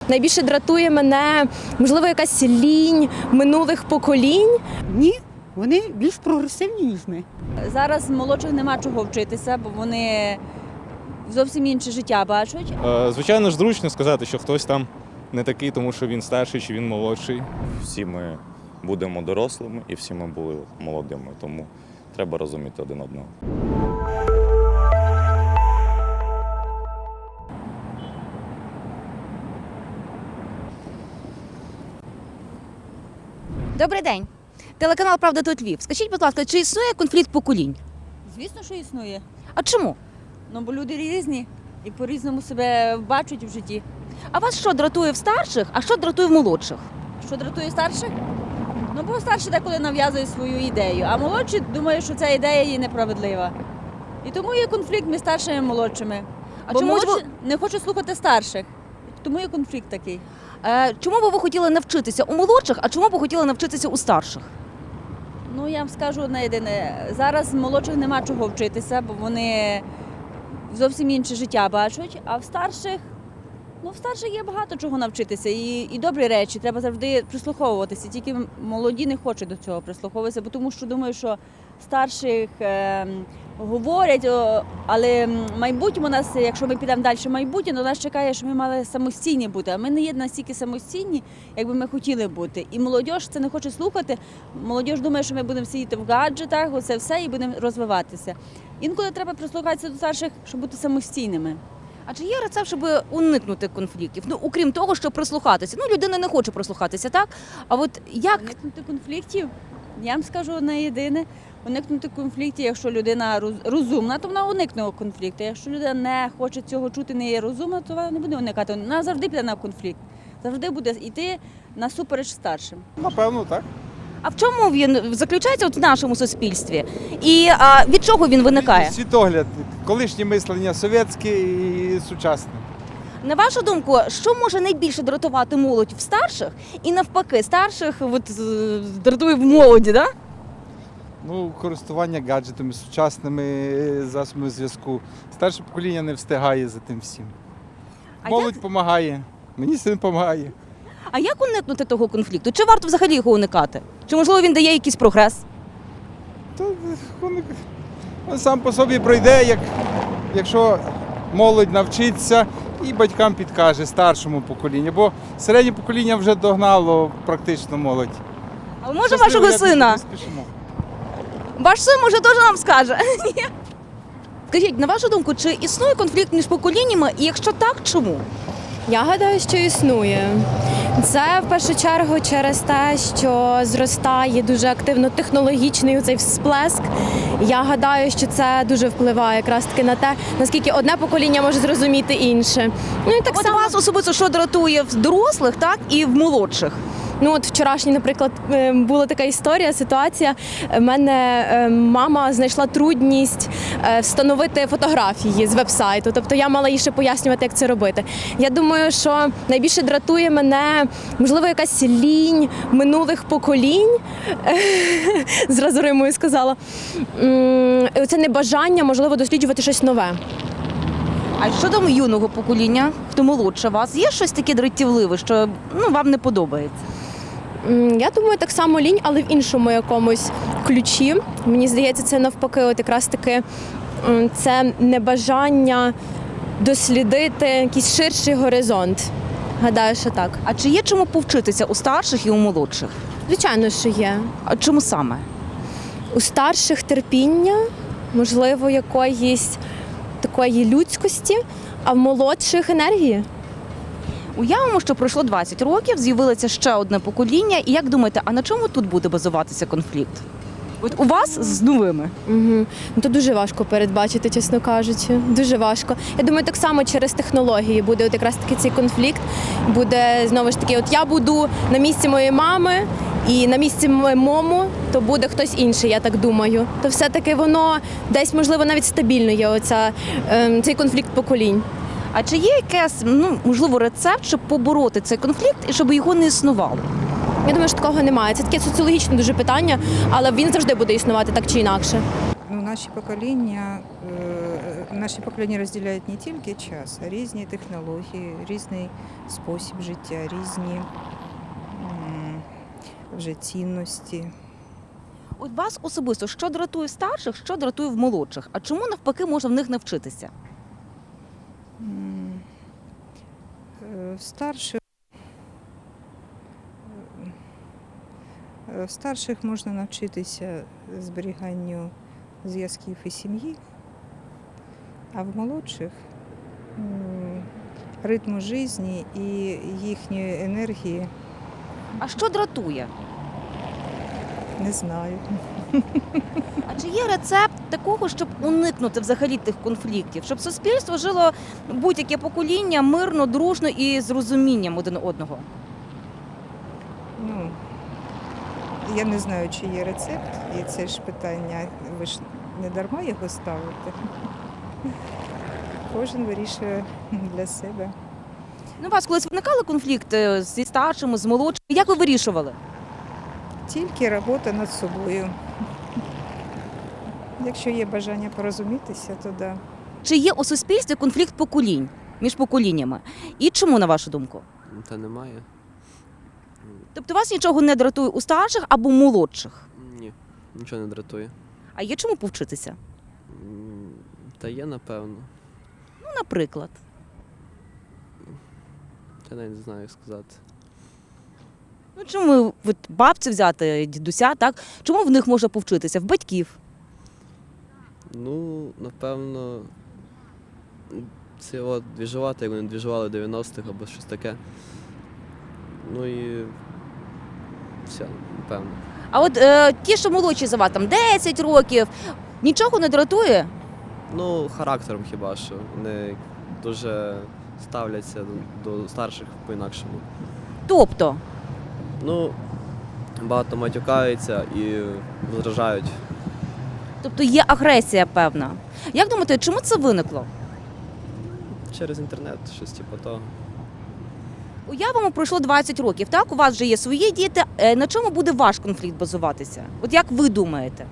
найбільше дратує мене, можливо, якась лінь минулих поколінь. Ні, вони більш прогресивні, ніж ми. Зараз молодших нема чого вчитися, бо вони зовсім інше життя бачать. Звичайно ж, зручно сказати, що хтось там не такий, тому що він старший чи він молодший. Всі ми будемо дорослими і всі ми були молодими, тому треба розуміти один одного. Добрий день. Телеканал «Правда тут Львів». Скажіть, будь ласка, чи існує конфлікт поколінь? Звісно, що існує. А чому? Ну, бо люди різні і по-різному себе бачать в житті. А вас що дратує в старших, а що дратує в молодших? Що дратує старших? Ну, бо старші деколи нав'язує свою ідею, а молодші думають, що ця ідея є неправедлива. І тому є конфлікт між старшими і молодшими. А Бо чому ж молодші не хочуть слухати старших. Тому є конфлікт такий. Чому би ви хотіли навчитися у молодших, а чому б ви хотіли навчитися у старших? Ну, я вам скажу одне єдине. Зараз молодших нема чого вчитися, бо вони зовсім інше життя бачать, а в старших є багато чого навчитися. І добрі речі, треба завжди прислуховуватися. Тільки молоді не хочуть до цього прислуховуватися, бо тому що думаю, що старших говорять, але майбутнє у нас, якщо ми підемо далі в майбутнє, то нас чекає, що ми мали самостійні бути. А ми не є настільки самостійні, як би ми хотіли бути. І молодь це не хоче слухати. Молодь думає, що ми будемо сидіти в гаджетах, оце все, і будемо розвиватися. Інколи треба прислухатися до старших, щоб бути самостійними. А чи є рецепт, щоб уникнути конфліктів? Ну, окрім того, щоб прислухатися. Ну, людина не хоче прислухатися, так? А от як? Уникнути конфліктів, я вам скажу одне єдине. Уникнути конфліктів, якщо людина розумна, то вона уникне конфлікту. Якщо людина не хоче цього чути, не є розумна, то вона не буде уникати. Вона завжди піде на конфлікт. Завжди буде йти насупереч старшим. Напевно, так. А в чому він заключається в нашому суспільстві? І від чого він виникає? Світогляд, колишнє мислення совєтське і сучасне. На вашу думку, що може найбільше дратувати молодь в старших і навпаки, старших дратує в молоді, да? Ну, користування гаджетами, сучасними засобами зв'язку. Старше покоління не встигає за тим всім. Молодь допомагає, мені син допомагає. А як уникнути того конфлікту? Чи варто взагалі його уникати? Чи, можливо, він дає якийсь прогрес? То він сам по собі пройде, якщо молодь навчиться і батькам підкаже старшому поколінню, бо середнє покоління вже догнало практично молодь. А може вашого сина? Ваш син, може, теж нам скаже? Скажіть, на вашу думку, чи існує конфлікт між поколіннями, і якщо так, чому? Я гадаю, що існує. Це в першу чергу через те, що зростає дуже активно технологічний цей всплеск. Я гадаю, що це дуже впливає якраз таки на те, наскільки одне покоління може зрозуміти інше. Ну і так От само вас особисто що дратує в дорослих, так, і в молодших? Ну от вчорашній, наприклад, була така історія, ситуація. У мене мама знайшла трудність встановити фотографії з веб-сайту. Тобто я мала їй ще пояснювати, як це робити. Я думаю, що найбільше дратує мене, можливо, якась лінь минулих поколінь. Зразу римою сказала. Це небажання, можливо, досліджувати щось нове. А щодо юного покоління, хто молодше вас, є щось таке дратівливе, що вам не подобається? Я думаю, так само лінь, але в іншому якомусь ключі. Мені здається, це навпаки, от якраз таки це небажання дослідити якийсь ширший горизонт. Гадаю, що так. А чи є чому повчитися у старших і у молодших? Звичайно, що є. А чому саме? У старших терпіння, можливо, якоїсь такої людськості, а в молодших енергії. Уявимо, що пройшло 20 років, з'явилося ще одне покоління. І як думаєте, а на чому тут буде базуватися конфлікт? От у вас з новими? Угу. Ну, то дуже важко передбачити, чесно кажучи. Дуже важко. Я думаю, так само через технології буде от якраз таки цей конфлікт. Буде, знову ж таки, от я буду на місці моєї мами, і на місці мому, то буде хтось інший, я так думаю. То все-таки воно десь, можливо, навіть стабільно є цей конфлікт поколінь. А чи є якийсь, можливо, рецепт, щоб побороти цей конфлікт і щоб його не існувало? Я думаю, що такого немає. Це таке соціологічне дуже питання, але він завжди буде існувати так чи інакше. Наші покоління наші покоління розділяють не тільки час, а різні технології, різний спосіб життя, різні вже цінності. От вас особисто, що дратує в старших, що дратує в молодших? А чому навпаки можна в них навчитися? В старших можна навчитися зберіганню зв'язків і сім'ї, а в молодших ритму житті і їхньої енергії А що дратує? не знаю. А чи є рецепт такого, щоб уникнути взагалі тих конфліктів, щоб суспільство жило будь-яке покоління мирно, дружно і з розумінням один одного? Ну, я не знаю, чи є рецепт, і це ж питання, ви ж не дарма його ставите. Кожен вирішує для себе. Ну, у вас колись виникали конфлікти зі старшими, з молодшими? Як ви вирішували? Тільки робота над собою. Якщо є бажання порозумітися, то да. Чи є у суспільстві конфлікт поколінь між поколіннями? І чому, на вашу думку? Та немає. Тобто вас нічого не дратує у старших або молодших? Ні, нічого не дратує. А є чому повчитися? Та є, напевно. Ну, наприклад. Я навіть не знаю, як сказати. Ну, чому от бабцю взяти, дідуся, так? Чому в них можна повчитися? В батьків? Ну, напевно, це от двіжувати, як вони двіжували в 90-х або щось таке. Ну і все, напевно. А от ті, що молодші за вас, там 10 років, нічого не дратує? Ну, характером хіба що. Вони дуже ставляться до старших по-інакшому. Тобто? Ну, багато матюкаються і возражають. Тобто є агресія певна. Як думаєте, чому це виникло? Через інтернет, щось типу того. Уявимо, пройшло 20 років, так? У вас вже є свої діти. На чому буде ваш конфлікт базуватися? От як ви думаєте?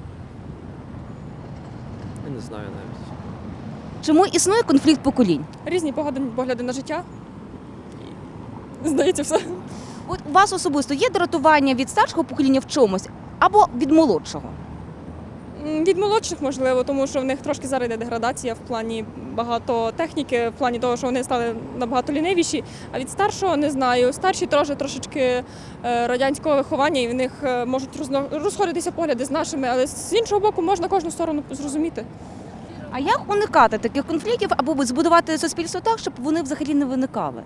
Я не знаю навіть. Чому існує конфлікт поколінь? Різні погляди на життя. Здається, все. От у вас особисто є дратування від старшого покоління в чомусь або від молодшого? Від молодших, можливо, тому що в них трошки зараз йде деградація в плані багато техніки, в плані того, що вони стали набагато лінивіші. А від старшого не знаю. Старші трошечки радянського виховання, і в них можуть розходитися погляди з нашими, але з іншого боку можна кожну сторону зрозуміти. А як уникати таких конфліктів або збудувати суспільство так, щоб вони взагалі не виникали?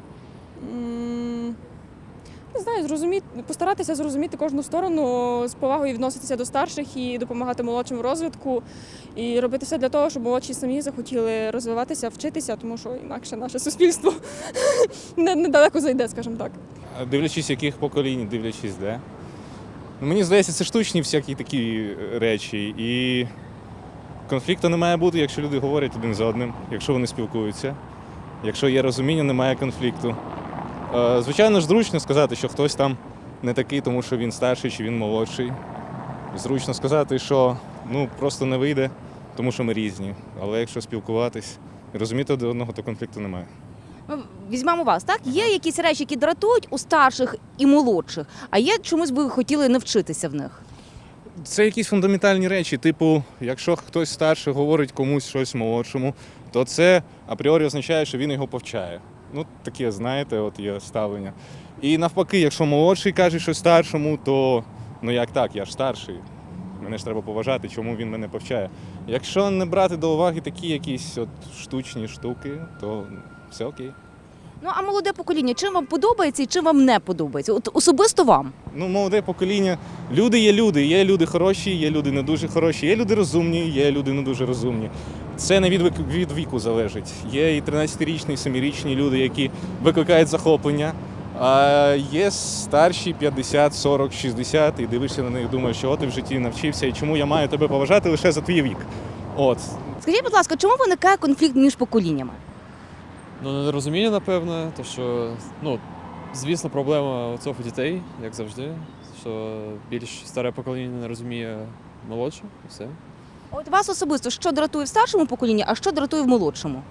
Не знаю, постаратися зрозуміти кожну сторону, з повагою відноситися до старших і допомагати молодшим в розвитку. І робити все для того, щоб молодші самі захотіли розвиватися, вчитися, тому що інакше наше суспільство недалеко зайде, скажімо так. Дивлячись, яких поколінь, дивлячись, де. Ну, мені здається, це штучні всякі такі речі. І конфлікту не має бути, якщо люди говорять один з одним, якщо вони спілкуються. Якщо є розуміння, немає конфлікту. Звичайно ж, зручно сказати, що хтось там не такий, тому що він старший чи він молодший. Зручно сказати, що просто не вийде, тому що ми різні. Але якщо спілкуватись і розуміти один одного, то конфлікту немає. Візьмемо вас, так? Є якісь речі, які дратують у старших і молодших, а є чомусь би ви хотіли навчитися в них? Це якісь фундаментальні речі, типу, якщо хтось старший говорить комусь щось молодшому, то це апріорі означає, що він його повчає. Ну, таке, знаєте, от є ставлення. І навпаки, якщо молодший каже щось старшому, то як так, я ж старший, мене ж треба поважати, чому він мене повчає. Якщо не брати до уваги такі якісь штучні штуки, то все окей. Ну, а молоде покоління, чим вам подобається і чим вам не подобається? От особисто вам? Молоде покоління, є люди хороші, є люди не дуже хороші, є люди розумні, є люди не дуже розумні. Це не від віку залежить. Є і 13-річні, і 7-річні люди, які викликають захоплення, а є старші 50, 40, 60, і дивишся на них, думаєш, що ти в житті навчився, і чому я маю тебе поважати лише за твій вік. Скажіть, будь ласка, чому виникає конфлікт між поколіннями? Нерозуміння, напевно, то що, звісно, проблема цього у дітей, як завжди, що більш старе покоління не розуміє молодше, і все. От вас особисто що дратує в старшому поколінні, а що дратує в молодшому?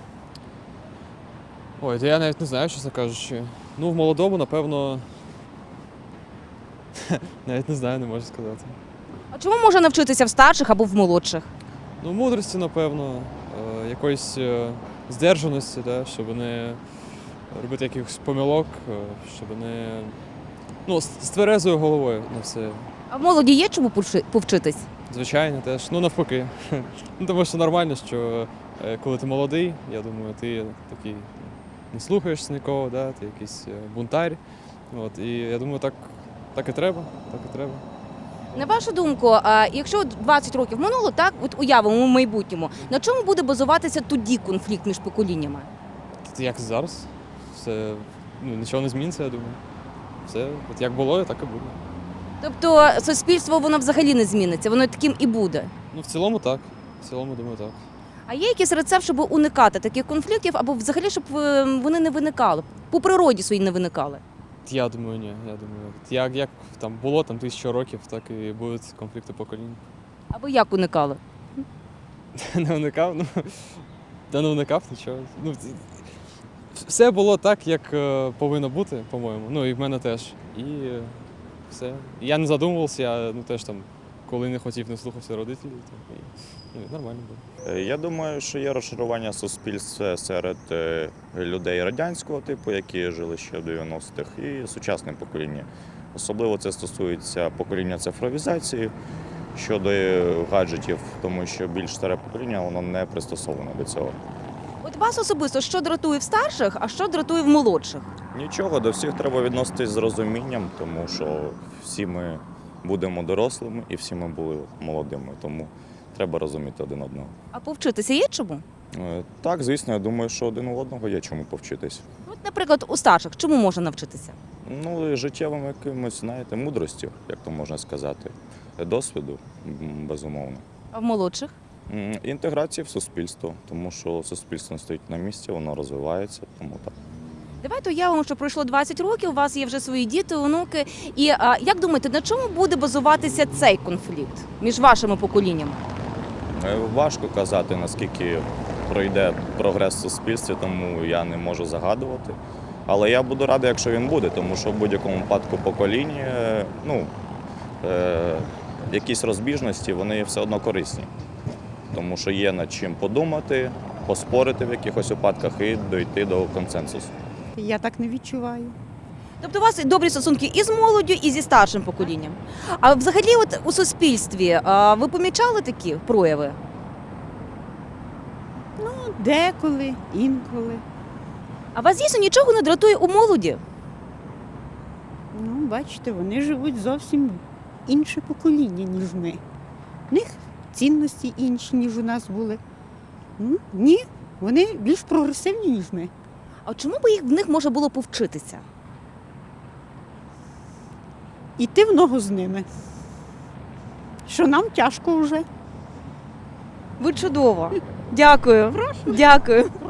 Ой, то я навіть не знаю, чесно кажучи. Ну, в молодому, напевно. Навіть не знаю, не можу сказати. А чому можна навчитися в старших або в молодших? Ну, мудрості, напевно, якоїсь здержаності, да, щоб не робити якихось помилок, щоб не. Ну, з тверезою головою на все. А в молоді є чому повчитись? Звичайно, теж. Ну, навпаки. Ну, тому що нормально, що коли ти молодий, я думаю, ти такий не слухаєшся нікого, да, ти якийсь бунтарь. От, і я думаю, так і треба, так і треба. На вашу думку, якщо 20 років минуло, так, от уявимо в майбутньому, на чому буде базуватися тоді конфлікт між поколіннями? Як зараз? Все, ну, нічого не зміниться, я думаю. Все, от як було, так і буде. Тобто суспільство воно взагалі не зміниться, воно таким і буде. Ну, в цілому так. В цілому, думаю, так. А є якийсь рецепт, щоб уникати таких конфліктів, або взагалі, щоб вони не виникали, по природі своїй не виникали? Я думаю, ні. Я думаю, як там було там 1000 років, так і будуть конфлікти поколінь. А ви як уникали? Не уникав, ну та не уникав нічого. Ну, все було так, як повинно бути, по-моєму. Ну і в мене теж. І все. Я не задумувався, я теж там, коли не хотів, не слухався родителів, то, і нормально було. Я думаю, що є розшарування суспільства серед людей радянського типу, які жили ще в 90-х, і сучасне покоління. Особливо це стосується покоління цифровізації щодо гаджетів, тому що більш старе покоління воно не пристосоване до цього. От вас особисто що дратує в старших, а що дратує в молодших? Нічого, до всіх треба відноситись з розумінням, тому що всі ми будемо дорослими і всі ми були молодими, тому треба розуміти один одного. А повчитися є чому? Так, звісно, я думаю, що один у одного є чому повчитись. От, наприклад, у старших чому можна навчитися? Ну, і життєвим якимось, знаєте, мудрості, як то можна сказати, досвіду, безумовно. А в молодших? Інтеграції в суспільство, тому що суспільство не стоїть на місці, воно розвивається, тому так. Давайте уявимо, що пройшло 20 років, у вас є вже свої діти, онуки. І як думаєте, на чому буде базуватися цей конфлікт між вашими поколіннями? Важко казати, наскільки пройде прогрес в суспільстві, тому я не можу загадувати. Але я буду радий, якщо він буде, тому що в будь-якому випадку покоління, якісь розбіжності, вони все одно корисні. Тому що є над чим подумати, поспорити в якихось випадках і дійти до консенсусу. Я так не відчуваю. Тобто у вас добрі стосунки і з молоддю, і зі старшим поколінням. А взагалі от у суспільстві ви помічали такі прояви? Ну, деколи, інколи. А вас дійсно нічого не дратує у молоді? Ну, бачите, вони живуть зовсім інше покоління, ніж ми. В них цінності інші, ніж у нас були. Ні, вони більш прогресивні, ніж ми. А чому б в них може було повчитися? Іти в ногу з ними. Що нам тяжко вже. Ви чудово. Дякую. Дякую.